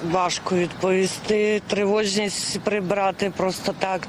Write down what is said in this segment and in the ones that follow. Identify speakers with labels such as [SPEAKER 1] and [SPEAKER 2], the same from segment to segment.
[SPEAKER 1] Важко відповісти, тривожність прибрати просто так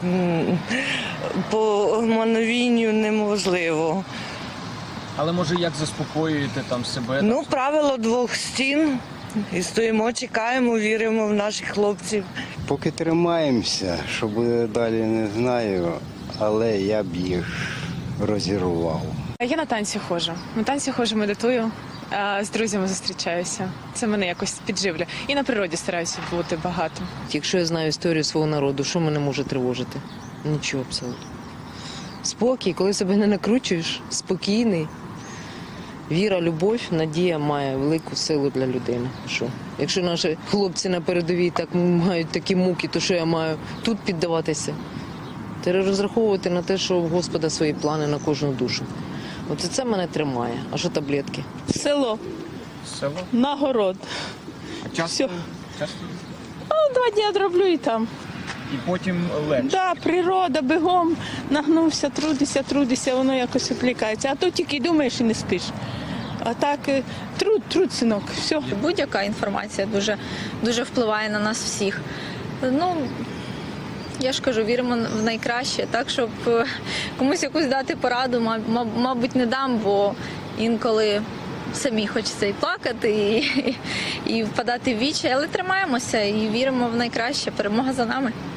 [SPEAKER 1] по мановінню неможливо.
[SPEAKER 2] Але може як заспокоюєте там себе?
[SPEAKER 1] Ну, правило двох стін. І стоїмо, чекаємо, віримо в наших хлопців.
[SPEAKER 3] Поки тримаємося, що буде далі, не знаю, але я б їх розірвав.
[SPEAKER 4] Я на танці ходжу. На танці ходжу, медитую, з друзями зустрічаюся. Це мене якось підживлює. І на природі стараюся бути багато.
[SPEAKER 5] Якщо я знаю історію свого народу, що мене може тривожити? Нічого абсолютно. Спокій, коли себе не накручуєш, спокійний. Віра, любов, надія має велику силу для людини. Що? Якщо наші хлопці на передовій так мають такі муки, то що я маю тут піддаватися? Треба розраховувати на те, що у Господа свої плани на кожну душу. От це мене тримає. А що таблетки?
[SPEAKER 6] Село,
[SPEAKER 2] Село?
[SPEAKER 6] на город.
[SPEAKER 2] Часто?
[SPEAKER 6] Всьо.
[SPEAKER 2] Часто?
[SPEAKER 6] 2 дні роблю і там.
[SPEAKER 2] І потім легше.
[SPEAKER 6] Да, природа, бігом, нагнувся, трудишся, воно якось відлікається. А то тільки думаєш і не спиш. А так, труд, синок, все.
[SPEAKER 7] Будь-яка інформація дуже впливає на нас всіх. Ну, я ж кажу, віримо в найкраще, так, щоб комусь якусь дати пораду, мабуть, не дам, бо інколи самі хочеться і плакати, і впадати в вічі, але тримаємося і віримо в найкраще. Перемога за нами.